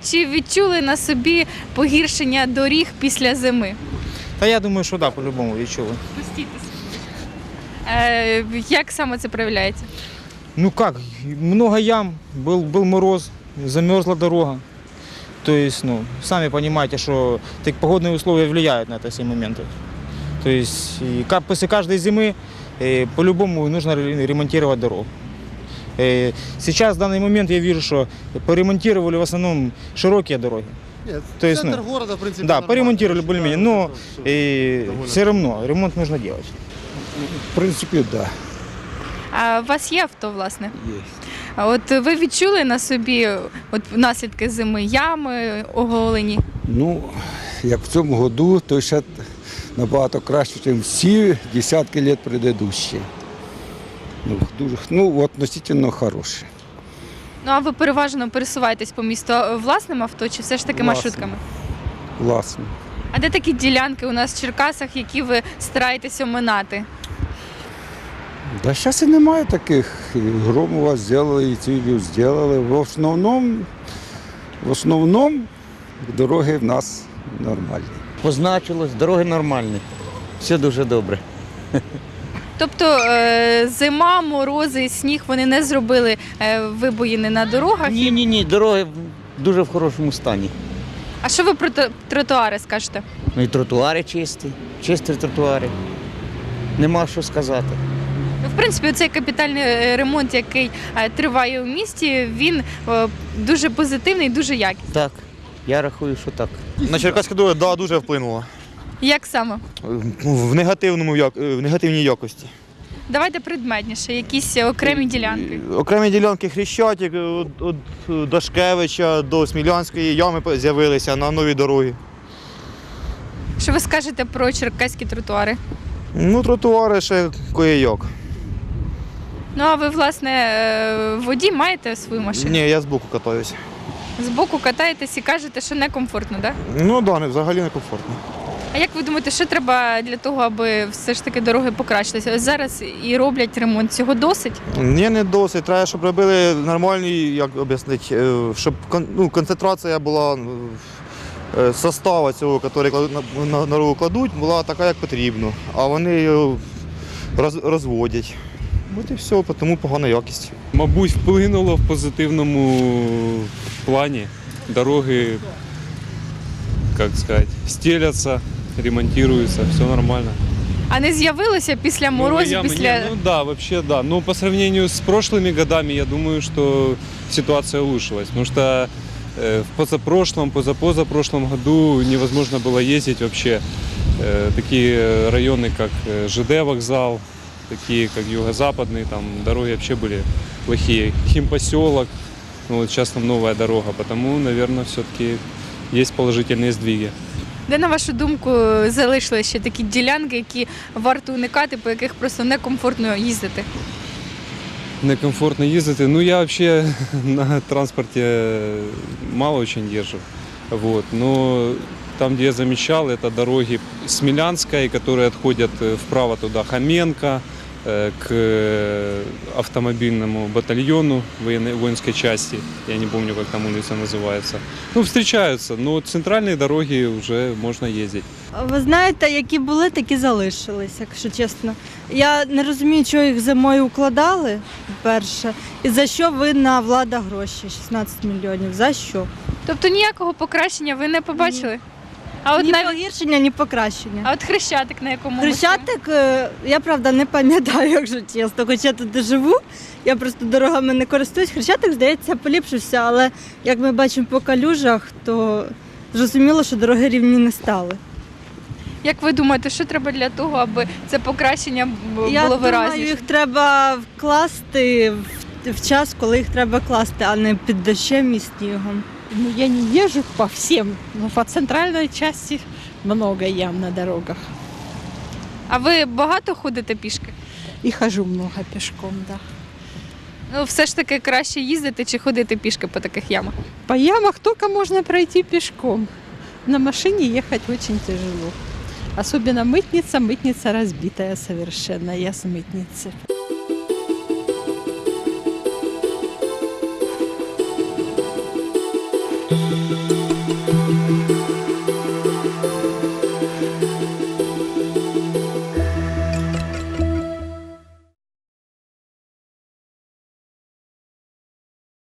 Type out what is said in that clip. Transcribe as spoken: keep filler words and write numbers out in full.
Чи відчули на собі погіршення доріг після зими? Та я думаю, що так, да, по-любому відчули. Пустітесь. Е, як саме це проявляється? Ну как, много ям, был, был мороз, замерзла дорога. То есть, ну, сами понимаете, что так, погодные условия влияют на это все моменты. То есть, и как, после каждой зимы э, по-любому нужно ре- ремонтировать дорогу. Э, сейчас, в данный момент, я вижу, что поремонтировали в основном широкие дороги. Нет, То есть, центр ну, города, в принципе, Да, нормально. поремонтировали более-менее, но э, довольно- все равно ремонт нужно делать. В принципі, да, А у вас є авто, власне? є. А от ви відчули на собі от наслідки зими, ями оголені? Ну, як в цьому году, то ще набагато краще, ніж всі десятки років предыдущі. Ну, дуже, ну, относительно хороше. Ну а ви переважно пересуваєтесь по місту власним авто чи все ж таки Власним. маршрутками? Власне. А де такі ділянки у нас в Черкасах, які ви стараєтесь оминати? Да зараз і немає таких. І Громова зробили, і цілю зробили. В основному, в основному дороги в нас нормальні. Позначилось, дороги нормальні. Все дуже добре. Тобто е, зима, морози, сніг вони не зробили е, вибоїни на дорогах? Ні, ні, ні, дороги дуже в хорошому стані. А що ви про тро- тротуари скажете? Ну і тротуари чисті, чисті тротуари. Нема що сказати. Ну, в принципі, цей капітальний е, ремонт, який е, триває у місті, він е, дуже позитивний, дуже якісний. Так, я рахую, що так. На Черкаську дорогу, да, дуже вплинуло. Як саме? В негативному як- в негативній якості. Давайте предметніше, якісь окремі ділянки. Окремі ділянки Хрещатик, від, від Дашкевича до Смілянської ями з'явилися на новій дорогі. Що ви скажете про черкаські тротуари? Ну, тротуари ще кое-як. Ну а ви, власне, е, водій маєте свою машину? Ні, я збоку катаюся. Збоку катаєтесь і кажете, що некомфортно, так? Ну так, да, не- взагалі некомфортно. А як ви думаєте, що треба для того, аби все ж таки дороги покращилися? Ось зараз і роблять ремонт. Цього досить? Ні, не досить. Треба, щоб робили нормальні, як об'яснити, е, щоб кон- ну, концентрація була е, состава цього, який кладуть на, на, на дорогу кладуть, була така, як потрібно. А вони її роз, розводять. От і все, тому погана якість. Мабуть, вплинуло в позитивному плані. Дороги, як сказати, стеляться, ремонтуються, все нормально. А не з'явилося після морозів, Новые ямы, після... не, ну да, вообще да. Но по сравнению с прошлыми годами, я думаю, что ситуация улучшилась. Потому что э, в позапрошлом, позапозапрошлом году невозможно было ездить вообще. Э, такие районы, как э, ЖД вокзал, такие как юго-западные, там дороги вообще были плохие. Химпоселок, ну вот сейчас там новая дорога, потому, наверное, все-таки есть положительные сдвиги. Де, на вашу думку, залишилися ще такі ділянки, які варто уникати, по яких просто некомфортно їздити? Некомфортно ездить. Ну, я вообще на транспорте мало очень езжу. Вот. Но там, где я замечал, это дороги Смелянской, которые отходят вправо туда Хоменко, э, к автомобильному батальону военной, воинской части. Я не помню, как там улица называется. Ну, встречаются, но центральные дороги уже можно ездить. Ви знаєте, які були, такі залишились, якщо чесно. Я не розумію, чого їх зимою укладали, перше, і за що винна влада гроші, шістнадцять мільйонів, за що? Тобто ніякого покращення ви не побачили? А от Ні навіть... погіршення, ні покращення. А от Хрещатик на якому? ми Хрещатик, е, я правда не пам'ятаю, якщо чесно, хоч я тут не живу, я просто дорогами не користуюсь. Хрещатик, здається, поліпшився, але як ми бачимо по калюжах, то зрозуміло, що дороги рівні не стали. Як ви думаєте, що треба для того, аби це покращення б- Я було думаю, виразніше? їх треба вкласти в, в час, коли їх треба класти, а не під дощем і снігом. Ну, я не езжу по всем, но по центральной части много ям на дорогах. А ви багато ходите пішки? И хожу много пешком, да. Ну, все ж таки краще їздити чи ходити пішки по таких ямах? По ямах только можно пройти пешком. На машине ехать очень тяжело. Особенно мытница, мытница разбитая совершенно, я с мытницы.